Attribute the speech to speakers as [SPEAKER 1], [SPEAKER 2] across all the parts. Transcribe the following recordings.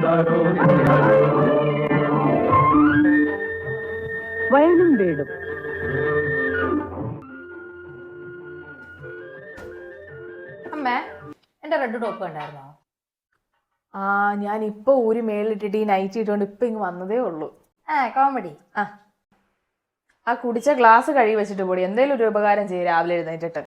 [SPEAKER 1] വയലും വീടും.
[SPEAKER 2] അമ്മേ, എന്റെ റെഡ് ടോപ്പ് കണ്ടായിരുന്നോ?
[SPEAKER 3] ഞാൻ ഇപ്പൊ ഊരി മേളിലിട്ടിട്ട് ഈ നൈറ്റ് ഇട്ടുകൊണ്ട് ഇപ്പൊ ഇങ്ങ് വന്നതേ ഉള്ളൂ.
[SPEAKER 2] കോമഡി.
[SPEAKER 3] ആ കുടിച്ച ഗ്ലാസ് കഴുകി വെച്ചിട്ട് പോടി, എന്തേലും ഒരു ഉപകാരം ചെയ്യും രാവിലെ എഴുന്നേറ്റിട്ട്.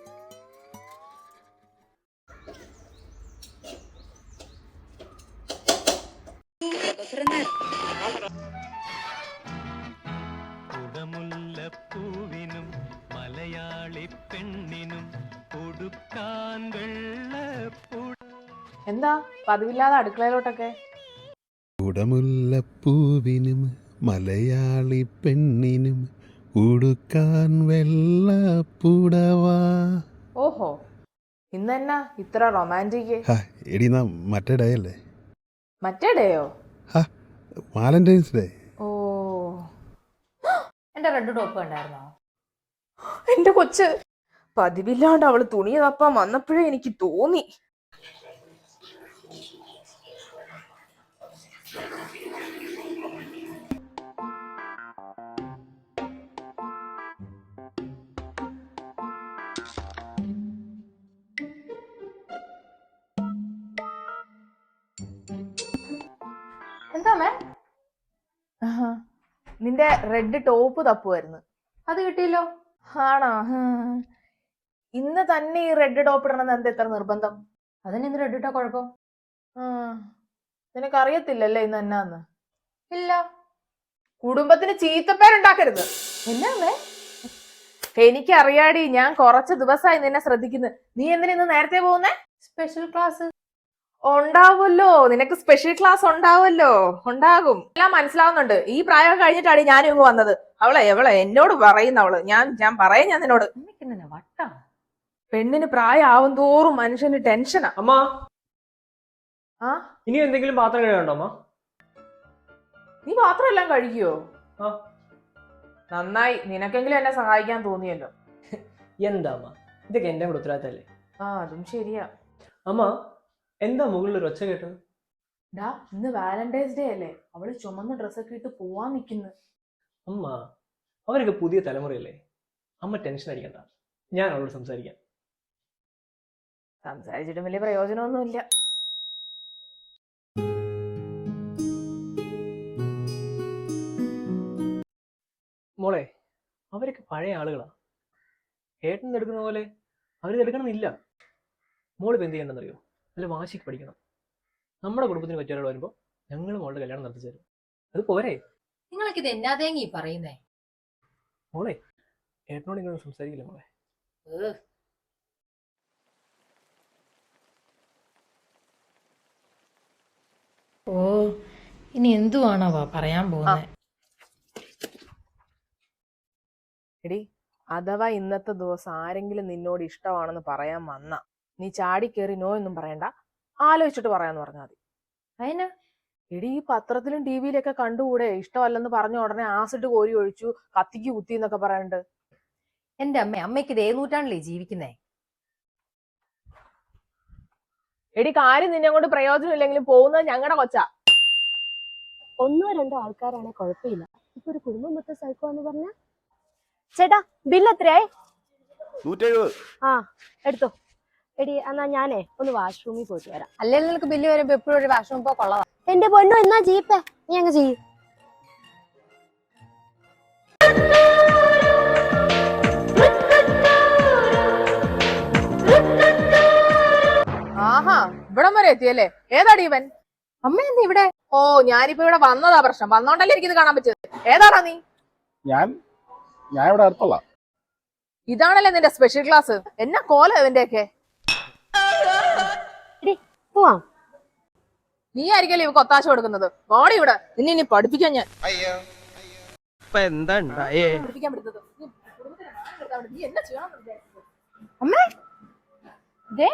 [SPEAKER 4] കുടമുല്ലപ്പൂവിനും മലയാളി പെണ്ണിനും കൊടുക്കാൻ വെള്ളപ്പൂ.
[SPEAKER 3] എന്താ പതിവില്ലാതെ അടുക്കളയിലോട്ടൊക്കെ?
[SPEAKER 5] കുടമുല്ലപ്പൂവിനും മലയാളി പെണ്ണിനും ഉടുക്കാൻ വെള്ളപ്പുടവാ.
[SPEAKER 3] ഓഹോ, ഇന്നെന്നാ ഇത്ര റൊമാൻറ്റിക്?
[SPEAKER 5] എടി നാ മറ്റേ ഡേ അല്ലേ?
[SPEAKER 3] മറ്റേ ഡേയോ?
[SPEAKER 5] Valentine's day.
[SPEAKER 3] ഓ,
[SPEAKER 2] എന്റെ റെഡ് ടോപ്പ് കണ്ടായിരുന്നോ?
[SPEAKER 3] എന്റെ കൊച്ച്, പതിവില്ലാണ്ട് അവള് തുണി തപ്പാൻ വന്നപ്പോഴേ എനിക്ക് തോന്നി.
[SPEAKER 2] എന്താ അമ്മേ?
[SPEAKER 3] നിന്റെ റെഡ് ടോപ്പ് തപ്പുമായിരുന്നു.
[SPEAKER 2] അത് കിട്ടിയല്ലോ.
[SPEAKER 3] ആണോ? ഇന്ന് തന്നെ ഈ റെഡ് ടോപ്പ് ഇടണമെന്ന് എന്താ ഇത്ര നിർബന്ധം?
[SPEAKER 2] അതിനെന്ത് റെഡ് ഇട്ടാ കുഴപ്പം?
[SPEAKER 3] നിനക്കറിയത്തില്ലല്ലേ ഇന്ന് എന്നാന്ന്?
[SPEAKER 2] ഇല്ല.
[SPEAKER 3] കുടുംബത്തിന് ചീത്തപ്പേരുണ്ടാക്കരുത്.
[SPEAKER 2] എന്നാ അമ്മേ?
[SPEAKER 3] എനിക്കറിയാടി, ഞാൻ കുറച്ച് ദിവസമായി നിന്നെ ശ്രദ്ധിക്കുന്നു. നീ എന്തിനാ ഇന്ന് നേരത്തെ പോകുന്നേ?
[SPEAKER 2] സ്പെഷ്യൽ ക്ലാസ്
[SPEAKER 3] ഉണ്ടാവുമല്ലോ, നിനക്ക് സ്പെഷ്യൽ ക്ലാസ് ഉണ്ടാവുമല്ലോ. ഉണ്ടാകും, എല്ലാം മനസ്സിലാവുന്നുണ്ട്. ഈ പ്രായം കഴിഞ്ഞിട്ടാണ് ഞാനും ഇങ്ങ് വന്നത്. എവളെ എന്നോട് പറയുന്ന ഞാൻ പറയാം നിന്നോട്.
[SPEAKER 2] വട്ടാ.
[SPEAKER 3] പെണ്ണിന് പ്രായമാവും തോറും മനുഷ്യന് ടെൻഷനാ.
[SPEAKER 6] അമ്മ, ഇനി എന്തെങ്കിലും പാത്രം കഴുകണ്ടോ അമ്മ?
[SPEAKER 3] നീ പാത്രം എല്ലാം കഴിക്കുവോ? നന്നായി, നിനക്കെങ്കിലും എന്നെ സഹായിക്കാൻ തോന്നിയല്ലോ.
[SPEAKER 6] എന്താ അമ്മ, ഇതൊക്കെ എന്റെ കൂടെ ഉത്തരവാദിത്തല്ലേ?
[SPEAKER 3] അതും ശരിയാ.
[SPEAKER 6] അമ്മ, എന്താ മുകളിൽ ഒരു ഒച്ച കേട്ടത്?
[SPEAKER 3] ഇന്ന് വാലന്റൈൻസ് ഡേ അല്ലേ, അവള് ചുമന്ന ഡ്രസ്സൊക്കെ ഇട്ട് പോവാൻ നിക്കുന്നു.
[SPEAKER 6] അമ്മ, അവരൊക്കെ പുതിയ തലമുറയല്ലേ, അമ്മ ടെൻഷൻ അടിക്കണ്ട, ഞാൻ അവളോട് സംസാരിക്കാം.
[SPEAKER 3] സംസാരിച്ചിട്ടും വലിയ പ്രയോജനമൊന്നുമില്ല.
[SPEAKER 6] മോളെ, അവരൊക്കെ പഴയ ആളുകളാ. ഏട്ടൻ എടുക്കുന്ന പോലെ അവരിത് എടുക്കണമെന്നില്ല. മോളിപ്പോൾ എന്ത് ചെയ്യണമെന്നറിയോ? നല്ല വാശിക്ക് പഠിക്കണം. നമ്മുടെ കുടുംബത്തിന് പറ്റിയ വരുമ്പോൾ ഞങ്ങൾ മോളുടെ കല്യാണം നടത്തി തരും. അത് പോരെ?
[SPEAKER 2] നിങ്ങൾക്ക് ഇത് എന്നാ തേങ്ങി പറയുന്നേ?
[SPEAKER 6] മോളെ, ഏട്ടനോട് ഇങ്ങനെ സംസാരിക്കില്ല മോളെ.
[SPEAKER 2] ഓ, ഇനി എന്തുവാണോ പറയാൻ പോകുന്നത്?
[SPEAKER 3] എടി, അഥവാ ഇന്നത്തെ ദിവസം ആരെങ്കിലും നിന്നോട് ഇഷ്ടമാണെന്ന് പറയാൻ വന്ന നീ ചാടിക്കേറി നോ എന്നും പറയണ്ട, ആലോചിച്ചിട്ട് പറയാന്ന് പറഞ്ഞാൽ മതി.
[SPEAKER 2] അതിന്
[SPEAKER 3] എടി, ഈ പത്രത്തിലും ടി വിയിലൊക്കെ കണ്ടുകൂടെ, ഇഷ്ടമല്ലെന്ന് പറഞ്ഞ ഉടനെ ആസിഡ് കോരി ഒഴിച്ചു, കത്തിക്ക് കുത്തി എന്നൊക്കെ പറയാനുണ്ട്.
[SPEAKER 2] എന്റെ അമ്മയ്ക്ക് ഇത് നൂറ്റാണ്ടിലേ ജീവിക്കുന്നേ.
[SPEAKER 3] എടി, കാര്യം നിന്നെ കൊണ്ട് പ്രയോജനമില്ലെങ്കിലും പോകുന്നത് ഞങ്ങളുടെ കൊച്ചാ.
[SPEAKER 7] ഒന്നോ രണ്ടോ ആൾക്കാരാണെ കുഴപ്പമില്ല, ഇപ്പൊ ഒരു കുടുംബം മൊത്തം സൈക്കോ എന്ന് പറഞ്ഞ. ചേട്ടാ, ബില്ല് എത്രയായി?
[SPEAKER 5] 170.
[SPEAKER 7] എടുത്തോ. എടി, എന്നാ ഞാനേ ഒന്ന് വാഷ്റൂമിൽ പോയിട്ട് വരാം.
[SPEAKER 2] അല്ലെങ്കിൽ നിനക്ക് ബില്ല് വരുമ്പോ എപ്പോഴും ഒരു വാഷ്റൂം പോ കൊള്ളതാ.
[SPEAKER 7] എന്റെ പൊന്നോ, എന്നാ ജീപ്പേ നീ അങ്ങ് ചെയ്യും.
[SPEAKER 3] ആഹാ, ഇവിടം വരെ എത്തിയല്ലേ? ഏതാടി ഇവൻ?
[SPEAKER 2] അമ്മ എന്താ ഇവിടെ?
[SPEAKER 3] ഓ, ഞാനിപ്പോ ഇവിടെ വന്നതാ പ്രശ്നം. വന്നോണ്ടല്ലേ എനിക്കിത് കാണാൻ പറ്റിയത്. ഏതാടാ നീ?
[SPEAKER 8] ഞാൻ ഇവിടെ അടുത്തുള്ള.
[SPEAKER 3] ഇതാണല്ലേ നിന്റെ സ്പെഷ്യൽ ക്ലാസ്? എന്നാ കോല ഇവന്റെയൊക്കെ?
[SPEAKER 7] പോവാം.
[SPEAKER 3] നീ ആയിരിക്കല്ലേ ഇവ കൊത്താശ കൊടുക്കുന്നത്? ബോഡി ഇവിടെ നിന്നെ ഇനി പഠിപ്പിക്കാൻ ഞാൻ. പഠിപ്പിക്കാൻ പറ്റുന്നത് നീ എന്നാ ചെയ്യണം?
[SPEAKER 7] അമ്മേ, ദേ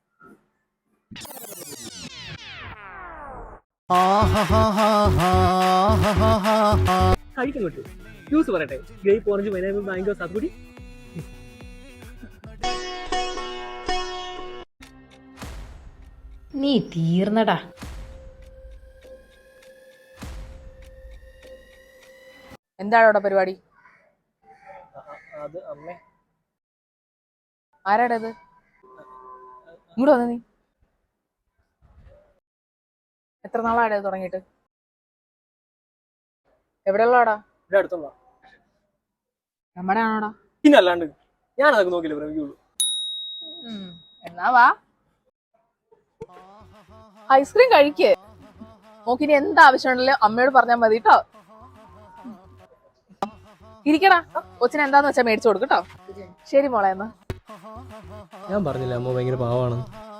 [SPEAKER 6] കഴിക്കാൻ കിട്ടും. ജ്യൂസ് പറയട്ടെ? ഗ്രേപ്പ്, ഓറഞ്ച്, പൈനാപ്പിൾ, മാംഗോ, സാത്തുക്കുടി.
[SPEAKER 2] നീ തീർന്നടാ.
[SPEAKER 3] എന്താണ് അവിടെ പരിപാടി?
[SPEAKER 6] അത് അമ്മേ,
[SPEAKER 3] ആരാടാ ഇത്? ഇങ്ങോട്ട് വന്ന നീ. എത്ര നാളാടാ ഇത് തുടങ്ങിയിട്ട്? എവിടെയുള്ളടാ?
[SPEAKER 6] ഇവിടെ അടുത്തുള്ള.
[SPEAKER 3] നമ്മുടെ ആണോടാ?
[SPEAKER 6] പിന്നെ അല്ലാണ്ട് ഞാൻ അതൊക്കെ നോക്കില്ല പ്രേമിക്കുള്ളൂ.
[SPEAKER 3] എന്നാ വാ, ഐസ്ക്രീം കഴിക്കേ. നോക്കിനി എന്താവശ്യമുണ്ടല്ലോ അമ്മയോട് പറഞ്ഞാൽ മതി കേട്ടോ. ഇരിക്കടാ, കൊച്ചിന് എന്താന്ന് വെച്ചാ മേടിച്ചു കൊടുക്കട്ടോ. ശരി മോളെ എന്നാ.
[SPEAKER 6] ഞാൻ പറഞ്ഞില്ല അമ്മ ഭയങ്കര പാവാണ്.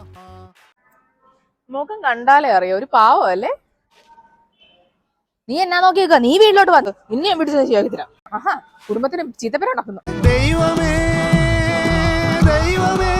[SPEAKER 3] മുഖം കണ്ടാലേ അറിയാം, ഒരു പാവം അല്ലേ? നീ എന്നാ നോക്കിയേക്ക, നീ വീട്ടിലോട്ട് വന്നു നിന്നെ പിടിച്ച് ശരിയാക്കി തരാം. ആഹാ, കുടുംബത്തിന് ചീത്തപ്പേരുണ്ടാക്കുന്നു.
[SPEAKER 4] ദൈവമേ ദൈവമേ